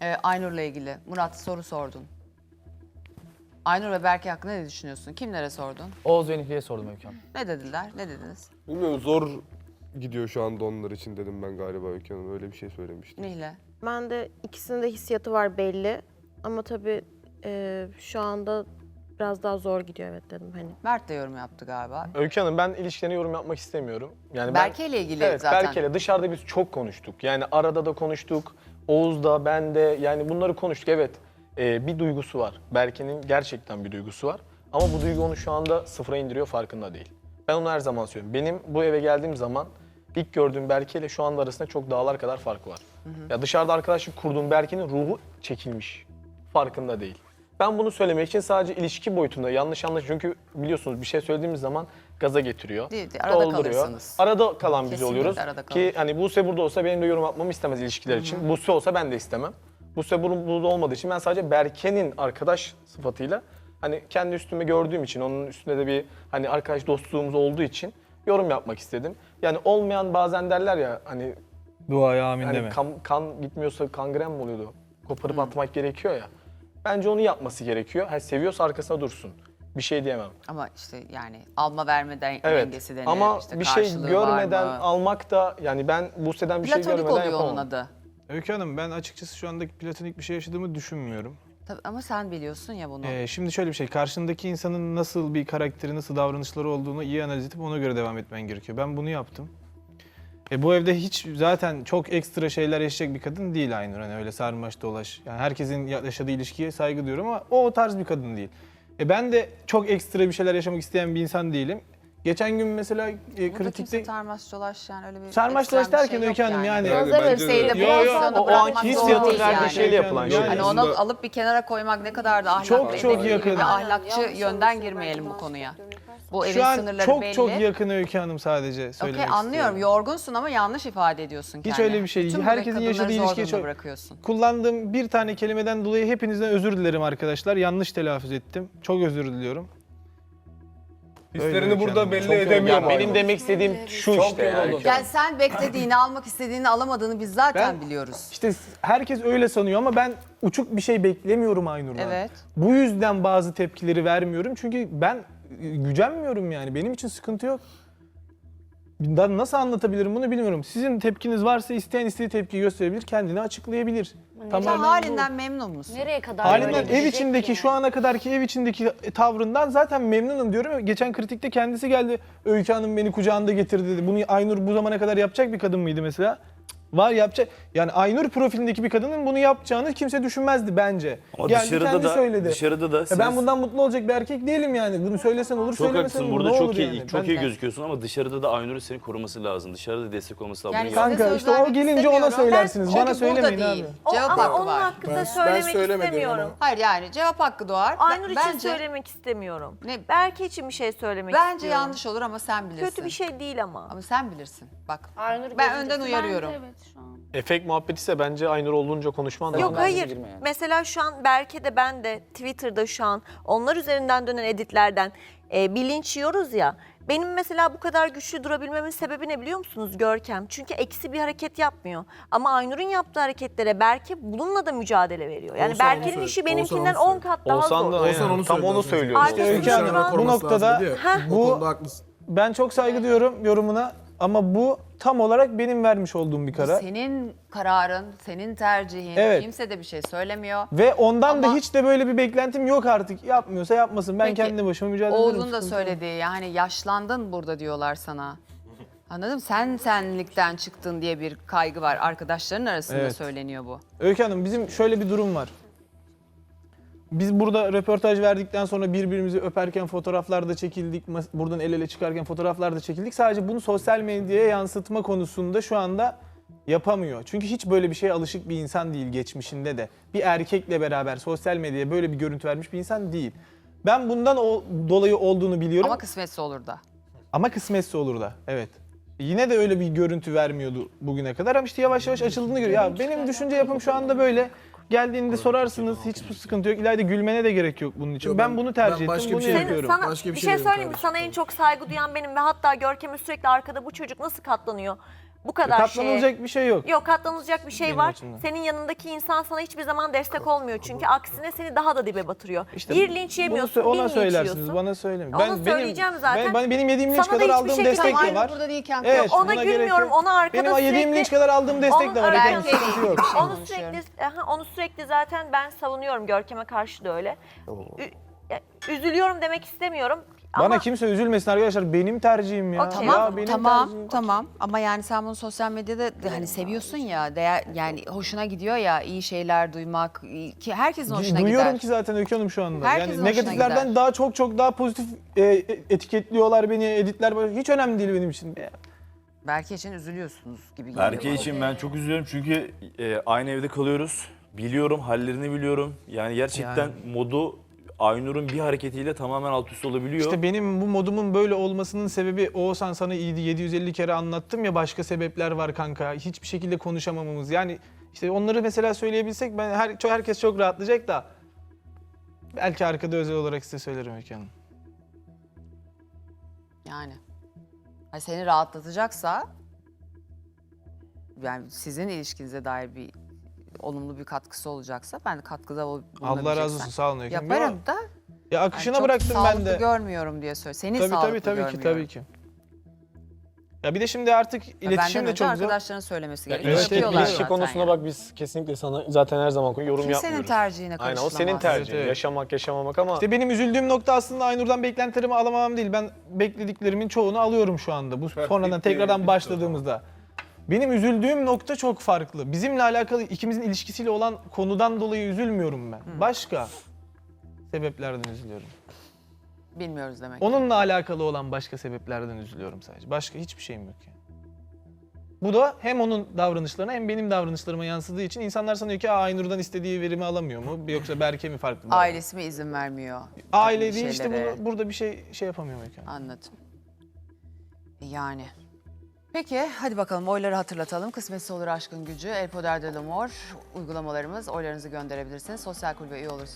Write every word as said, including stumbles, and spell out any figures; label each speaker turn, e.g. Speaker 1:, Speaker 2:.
Speaker 1: Ee, Aynur'la ilgili. Murat soru sordun. Aynur ve Berke hakkında ne düşünüyorsun? Kimlere sordun?
Speaker 2: Oğuz ve Nihli'ye sordum Öykü Hanım.
Speaker 1: Ne dediler? Ne dediniz?
Speaker 3: Bilmiyorum, zor gidiyor şu anda onlar için dedim ben galiba Öykü Hanım. Öyle bir şey söylemiştim.
Speaker 1: Nihle.
Speaker 4: Ben de ikisinin de hissiyatı var belli. Ama tabii e, şu anda biraz daha zor gidiyor evet dedim hani.
Speaker 1: Mert de yorum yaptı galiba.
Speaker 5: Öykü Hanım, ben ilişkilerine yorum yapmak istemiyorum. Yani ben,
Speaker 1: Berke ile ilgili
Speaker 5: evet,
Speaker 1: zaten.
Speaker 5: Berke'yle dışarıda biz çok konuştuk. Yani arada da konuştuk. Oğuz'da, ben de yani bunları konuştuk. Evet, e, bir duygusu var. Berke'nin gerçekten bir duygusu var. Ama bu duygu onu şu anda sıfıra indiriyor, farkında değil. Ben onu her zaman söylüyorum. Benim bu eve geldiğim zaman ilk gördüğüm Berke ile şu anda arasında çok dağlar kadar fark var. Hı hı. Ya dışarıda arkadaşlık kurduğum Berke'nin ruhu çekilmiş. Farkında değil. Ben bunu söylemek için sadece ilişki boyutunda yanlış anlaş, çünkü biliyorsunuz bir şey söylediğimiz zaman gaza getiriyor.
Speaker 1: Değil, değil, arada kalırsınız.
Speaker 5: Arada kalan biz
Speaker 1: Kesinlikle
Speaker 5: oluyoruz.
Speaker 1: arada
Speaker 5: Ki
Speaker 1: kalır.
Speaker 5: hani Buse burada olsa benim de yorum yapmamı istemez ilişkiler için. Buse olsa ben de istemem. Buse bur- burada olmadığı için ben sadece Berke'nin arkadaş sıfatıyla hani kendi üstüme gördüğüm için, onun üstünde de bir hani arkadaş dostluğumuz olduğu için yorum yapmak istedim. Yani olmayan, bazen derler ya hani
Speaker 2: Duaya amin
Speaker 5: hani
Speaker 2: deme.
Speaker 5: kan, kan gitmiyorsa kangren mi oluyordu? Koparıp atmak gerekiyor ya. Bence onu yapması gerekiyor. Ha, seviyorsa arkasına dursun. Bir şey diyemem.
Speaker 1: Ama işte yani alma verme den-
Speaker 5: Evet.
Speaker 1: dengesi denir.
Speaker 5: Ama
Speaker 1: işte
Speaker 5: bir şey
Speaker 1: karşılığı
Speaker 5: görmeden
Speaker 1: var mı?
Speaker 5: almak da, yani ben Buse'den bir şey
Speaker 1: Platonik
Speaker 5: görmeden
Speaker 1: oluyor
Speaker 5: yapamam.
Speaker 1: onun adı.
Speaker 6: Öykü Hanım, ben açıkçası şu andaki platonik bir şey yaşadığımı düşünmüyorum.
Speaker 1: Tabii, ama sen biliyorsun ya bunu.
Speaker 6: Ee, şimdi şöyle bir şey, karşındaki insanın nasıl bir karakteri, nasıl davranışları olduğunu iyi analiz edip ona göre devam etmen gerekiyor. Ben bunu yaptım. E, bu evde hiç zaten çok ekstra şeyler yaşayacak bir kadın değil Aynur. Hani öyle sarmaş dolaş. Yani herkesin yaşadığı ilişkiye saygı duyuyorum ama o, o tarz bir kadın değil. E, ben de çok ekstra bir şeyler yaşamak isteyen bir insan değilim. Geçen gün mesela e,
Speaker 1: Burada kimse
Speaker 6: kritikte...
Speaker 1: sarmaş dolaş yani öyle bir
Speaker 6: Sarmaş dolaş
Speaker 1: ekstrem bir
Speaker 6: derken
Speaker 1: şey
Speaker 6: Öykü
Speaker 1: yok
Speaker 6: Hanım yani.
Speaker 3: Yani
Speaker 1: Nazar
Speaker 3: bence de
Speaker 1: ölseydi
Speaker 3: öyle.
Speaker 1: bu
Speaker 6: Yo, yo,
Speaker 1: insanı
Speaker 5: o- o
Speaker 1: bırakmak
Speaker 5: anki
Speaker 1: zorunda
Speaker 5: hissiyatın
Speaker 1: değil
Speaker 5: verdiği
Speaker 1: yani.
Speaker 5: şeyle yapılan şey.
Speaker 1: Hani onu alıp bir kenara koymak ne kadar da ahlaklı.
Speaker 6: Çok, çok
Speaker 1: edepli
Speaker 6: yakın.
Speaker 1: ve ahlakçı yönden girmeyelim bu konuya. Bu evin
Speaker 6: Şu an
Speaker 1: sınırları
Speaker 6: çok
Speaker 1: belli.
Speaker 6: çok yakın Öykü Hanım sadece
Speaker 1: Okey,
Speaker 6: söylemek
Speaker 1: anlıyorum.
Speaker 6: istiyorum.
Speaker 1: Yorgunsun ama yanlış ifade ediyorsun
Speaker 6: Hiç
Speaker 1: kendini.
Speaker 6: öyle bir şey değil.
Speaker 1: Bütün
Speaker 6: Herkesin
Speaker 1: kadınları
Speaker 6: yaşadığı
Speaker 1: zor
Speaker 6: ilişkiye
Speaker 1: durumda
Speaker 6: çok-
Speaker 1: bırakıyorsun.
Speaker 6: Kullandığım bir tane kelimeden dolayı hepinizden özür dilerim arkadaşlar. Yanlış telaffuz ettim. Çok özür diliyorum.
Speaker 3: Hislerini
Speaker 6: Öyle
Speaker 3: burada
Speaker 6: Öykü
Speaker 3: belli
Speaker 6: Hanım. Çok
Speaker 3: edemiyor
Speaker 5: Ya
Speaker 3: mu?
Speaker 5: benim demek istediğim şu işte yani.
Speaker 1: Yani sen beklediğini, almak istediğini alamadığını biz zaten
Speaker 6: Ben-
Speaker 1: biliyoruz.
Speaker 6: İşte herkes öyle sanıyor ama ben uçuk bir şey beklemiyorum Aynur'dan.
Speaker 1: Evet.
Speaker 6: Bu yüzden bazı tepkileri vermiyorum. Çünkü ben e, gücenmiyorum yani. Benim için sıkıntı yok. Ben nasıl anlatabilirim bunu bilmiyorum. Sizin tepkiniz varsa isteyen istediği tepkiyi gösterebilir, kendini açıklayabilir.
Speaker 1: Sen
Speaker 6: Tamamen bu.
Speaker 1: halinden memnun musun?
Speaker 7: Nereye kadar
Speaker 6: Halinden
Speaker 7: böyle
Speaker 6: ev
Speaker 7: gidecek
Speaker 6: içindeki
Speaker 7: ki?
Speaker 6: şu ana kadarki ev içindeki tavrından zaten memnunum diyorum. Geçen kritikte kendisi geldi. Öykü Hanım beni kucağında getirdi dedi. Bunu Aynur bu zamana kadar yapacak bir kadın mıydı mesela? Cık, Var yapacak. Yani Aynur profilindeki bir kadının bunu yapacağını kimse düşünmezdi bence.
Speaker 8: Ama
Speaker 6: geldi
Speaker 8: dışarıda
Speaker 6: kendi
Speaker 8: da
Speaker 6: söyledi.
Speaker 8: dışarıda da
Speaker 6: Ya ben bundan mutlu olacak bir erkek değilim yani. Bunu söylesen olur,
Speaker 8: çok
Speaker 6: söylemesen
Speaker 8: haklısın.
Speaker 6: olur.
Speaker 8: Burada
Speaker 6: Ne
Speaker 8: çok
Speaker 6: olur
Speaker 8: iyi
Speaker 6: yani?
Speaker 8: çok
Speaker 6: Ben-
Speaker 8: iyi gözüküyorsun ama dışarıda da Aynur'un seni koruması lazım. Dışarıda destek olması lazım.
Speaker 1: Yani
Speaker 8: Bunu
Speaker 1: sen-
Speaker 8: yap-
Speaker 6: Kanka
Speaker 1: Size
Speaker 6: işte
Speaker 1: söz
Speaker 6: o
Speaker 1: vermek
Speaker 6: gelince ona
Speaker 1: istemiyorum.
Speaker 6: söylersiniz.
Speaker 1: Çünkü
Speaker 6: Bana
Speaker 1: burada
Speaker 6: söylemeyin
Speaker 1: değil.
Speaker 6: abi.
Speaker 7: O,
Speaker 1: Cevap
Speaker 7: ama
Speaker 1: hakkı
Speaker 7: onun
Speaker 1: var.
Speaker 7: hakkında
Speaker 3: Ben- ben
Speaker 7: söylemek
Speaker 3: söylemedim
Speaker 7: istemiyorum.
Speaker 3: ama.
Speaker 1: Hayır yani cevap hakkı doğar.
Speaker 7: Aynur
Speaker 1: Ben-
Speaker 7: için
Speaker 1: bence,
Speaker 7: söylemek istemiyorum.
Speaker 1: Ne-
Speaker 7: Berke için bir şey söylemek
Speaker 1: Bence
Speaker 7: istiyorum.
Speaker 1: yanlış olur ama sen bilirsin.
Speaker 7: Kötü bir şey değil ama.
Speaker 1: Ama sen bilirsin. Bak
Speaker 9: Aynur
Speaker 1: ben
Speaker 9: gözündeki-
Speaker 1: önden uyarıyorum.
Speaker 9: Bence evet şu an.
Speaker 5: Efekt muhabbeti ise bence Aynur olduğunca konuşman lazım.
Speaker 7: Yok hayır. Mesela şu an Berke de ben de Twitter'da şu an onlar üzerinden dönen editlerden e, bir linç yiyoruz ya. Benim mesela bu kadar güçlü durabilmemin sebebi ne biliyor musunuz Görkem? Çünkü eksi bir hareket yapmıyor. Ama Aynur'un yaptığı hareketlere Berke bununla da mücadele veriyor. Yani
Speaker 3: Oğuzhan onu
Speaker 7: Berke'nin
Speaker 3: söyle-
Speaker 7: işi
Speaker 3: Oğuzhan
Speaker 7: benimkinden
Speaker 3: onu
Speaker 7: on
Speaker 3: söyle.
Speaker 7: kat daha
Speaker 5: Oğuzhan
Speaker 7: zor.
Speaker 5: da
Speaker 3: Oğuzhan
Speaker 5: aynen,
Speaker 3: onu
Speaker 5: tam onu
Speaker 3: söylüyor
Speaker 5: söylüyor.
Speaker 7: zaten.
Speaker 6: İşte Öykü Hanım
Speaker 7: Arkasında
Speaker 6: bu
Speaker 3: koruması lazım
Speaker 6: noktada
Speaker 3: dedi ya.
Speaker 7: Heh.
Speaker 3: O
Speaker 6: bu
Speaker 3: konuda haklısın.
Speaker 6: ben çok saygı duyuyorum yorumuna ama bu tam olarak benim vermiş olduğum bir karar.
Speaker 1: Senin kararın, senin tercihin.
Speaker 6: Evet.
Speaker 1: Kimse de bir şey söylemiyor.
Speaker 6: Ve ondan da
Speaker 1: Ama-
Speaker 6: hiç de böyle bir beklentim yok artık. Yapmıyorsa yapmasın. Ben
Speaker 1: Peki,
Speaker 6: kendi başıma mücadele ederim.
Speaker 1: Oğuz'un da
Speaker 6: Sıkıntı yok.
Speaker 1: söylediği yani yaşlandın burada diyorlar sana. Anladın mı? Sen senlikten çıktın diye bir kaygı var. Arkadaşların arasında
Speaker 6: Evet.
Speaker 1: söyleniyor bu.
Speaker 6: Öykü Hanım bizim şöyle bir durum var. Biz burada röportaj verdikten sonra birbirimizi öperken fotoğraflar da çekildik. mas- Buradan el ele çıkarken fotoğraflar da çekildik. Sadece bunu sosyal medyaya yansıtma konusunda şu anda yapamıyor. Çünkü hiç böyle bir şeye alışık bir insan değil geçmişinde de. Bir erkekle beraber sosyal medyaya böyle bir görüntü vermiş bir insan değil. Ben bundan o, dolayı olduğunu biliyorum.
Speaker 1: Ama
Speaker 6: Ama,
Speaker 1: kısmetse olur da.
Speaker 6: kısmetse olur da. Evet. Yine de öyle bir görüntü vermiyordu bugüne kadar ama işte yavaş yavaş açıldığını görüyor. Ya benim düşünce yapım şu anda böyle. Geldiğinde sorarsınız hiç sıkıntı yok. İleride gülmene de gerek yok bunun için.
Speaker 3: Yok,
Speaker 6: ben,
Speaker 3: ben-
Speaker 6: bunu tercih
Speaker 3: ben başka
Speaker 6: ettim.
Speaker 3: bir
Speaker 6: Bunu
Speaker 3: şey
Speaker 7: Senin,
Speaker 6: yapıyorum.
Speaker 7: sana
Speaker 3: Başka bir
Speaker 7: bir
Speaker 3: şey
Speaker 7: şey
Speaker 3: dedim
Speaker 7: söyleyeyim mi?
Speaker 3: kardeşim.
Speaker 7: Sana en çok saygı duyan benim ve hatta Görkem'e sürekli arkada bu çocuk nasıl katlanıyor? Bu kadar şeye.
Speaker 6: Katlanılacak bir şey yok.
Speaker 7: Yok, katlanılacak bir şey
Speaker 6: Benim
Speaker 7: var.
Speaker 6: açımdan.
Speaker 7: Senin yanındaki insan sana hiçbir zaman destek olmuyor. Çünkü aksine seni daha da dibe batırıyor.
Speaker 6: İşte
Speaker 7: bir linç yemiyorsun,
Speaker 6: bunu,
Speaker 7: bin
Speaker 6: ona
Speaker 7: linç
Speaker 6: söylersiniz,
Speaker 7: yiyorsun.
Speaker 6: bana söylemeyin.
Speaker 7: Onu söyleyeceğim zaten.
Speaker 6: Ben, benim yediğim linç
Speaker 7: Sana da
Speaker 6: kadar
Speaker 7: hiçbir
Speaker 6: aldığım
Speaker 7: şekilde-
Speaker 6: destek de
Speaker 1: Aynı
Speaker 6: var.
Speaker 1: burada değilken
Speaker 6: Evet,
Speaker 7: Ona
Speaker 6: buna gerek
Speaker 7: gülmüyorum,
Speaker 6: yok.
Speaker 7: ona arkada
Speaker 6: Benim yediğim
Speaker 7: sürekli-
Speaker 6: linç kadar aldığım destek
Speaker 7: Onu-
Speaker 6: de var.
Speaker 7: Aynen.
Speaker 6: Ekran sıkıntı yok.
Speaker 7: Onu
Speaker 1: konuşuyorum.
Speaker 7: sürekli, aha, onu sürekli zaten ben savunuyorum. Görkem'e karşı da öyle. Ü- ya, üzülüyorum demek istemiyorum.
Speaker 6: Bana
Speaker 7: Ama
Speaker 6: kimse üzülmesin arkadaşlar. Benim tercihim ya.
Speaker 7: Okey.
Speaker 6: Ya
Speaker 1: Tamam,
Speaker 6: benim
Speaker 1: tamam,
Speaker 6: tercihim.
Speaker 1: tamam. Ama yani sen bunu sosyal medyada de hani seviyorsun ya, değer yani hoşuna gidiyor ya iyi şeyler duymak iyi- ki herkesin hoşuna
Speaker 6: Duyuyorum
Speaker 1: gider.
Speaker 6: ki zaten Öykü Hanım şu anda.
Speaker 1: Herkesin
Speaker 6: yani
Speaker 1: hoşuna
Speaker 6: negatiflerden
Speaker 1: gider.
Speaker 6: daha çok çok daha pozitif e, etiketliyorlar beni, editler. Hiç önemli değil benim için.
Speaker 1: Berke için üzülüyorsunuz gibi geliyor.
Speaker 8: Berke için ben çok üzülüyorum çünkü e, aynı evde kalıyoruz. Biliyorum, hallerini biliyorum. Yani gerçekten modu Aynur'un bir hareketiyle tamamen alt üst olabiliyor.
Speaker 6: İşte benim bu modumun böyle olmasının sebebi Oğuzhan sana iyiydi yedi yüz elli kere anlattım ya, başka sebepler var kanka. Hiçbir şekilde konuşamamamız. Yani işte onları mesela söyleyebilsek ben her, çok- herkes çok rahatlayacak da belki arkada özel olarak size söylerim Öykü Hanım.
Speaker 1: Yani. Hani seni rahatlatacaksa yani sizin ilişkinize dair bir olumlu bir katkısı olacaksa ben de katkıda ol-
Speaker 6: Allah razı olsun,
Speaker 1: bulunabileceksen
Speaker 6: sağ olun Öykü Hanım.
Speaker 1: yaparım
Speaker 6: Ya,
Speaker 1: da
Speaker 6: ya
Speaker 1: yani
Speaker 6: akışına
Speaker 1: çok
Speaker 6: bıraktım ben
Speaker 1: sağlıklı
Speaker 6: de.
Speaker 1: görmüyorum diye söyle. Seni
Speaker 6: Tabii
Speaker 1: sağlıklı
Speaker 6: tabii tabii ki
Speaker 1: görmüyorum.
Speaker 6: tabii ki. Ya bir de şimdi artık
Speaker 1: Ya
Speaker 6: iletişim
Speaker 1: benden
Speaker 6: de
Speaker 1: önce
Speaker 6: çok zor.
Speaker 1: arkadaşlarının söylemesi
Speaker 5: Ya
Speaker 1: gerekiyor.
Speaker 5: ilişki,
Speaker 1: Yapıyorlar
Speaker 5: ilişki
Speaker 1: zaten
Speaker 5: konusuna
Speaker 1: yani.
Speaker 5: bak, biz kesinlikle sana zaten her zaman yorum
Speaker 1: Kimsenin
Speaker 5: yapmıyoruz.
Speaker 1: tercihine
Speaker 5: Aynen, o
Speaker 1: karışılamaz.
Speaker 5: senin tercihin.
Speaker 6: Evet, evet.
Speaker 5: Yaşamak, yaşamamak ama
Speaker 6: İşte benim üzüldüğüm nokta aslında Aynur'dan beklentilerimi alamamam değil. Ben beklediklerimin çoğunu alıyorum şu anda. Bu sonradan tekrardan başladığımızda. Benim üzüldüğüm nokta çok farklı. Bizimle alakalı ikimizin ilişkisiyle olan konudan dolayı üzülmüyorum ben. Başka sebeplerden üzülüyorum.
Speaker 1: Bilmiyoruz demek.
Speaker 6: Onunla alakalı olan başka sebeplerden üzülüyorum sadece. Başka hiçbir şeyim yok yani. Bu da hem onun davranışlarına hem benim davranışlarıma yansıdığı için insanlar sanıyor ki Aa, Aynur'dan istediği verimi alamıyor mu? Yoksa Berke mi farklı?
Speaker 1: Ailesi mi izin vermiyor?
Speaker 6: Aile
Speaker 1: Böyle
Speaker 6: değil işte
Speaker 1: şeylere?
Speaker 6: bunu, burada bir şey şey yapamıyorum yani.
Speaker 1: Anladım. Yani. Peki hadi bakalım oyları hatırlatalım. Kısmetse olur aşkın gücü. El Poder de l'Amour uygulamalarımız. Oylarınızı gönderebilirsiniz. Sosyal kulübe üye olursunuz.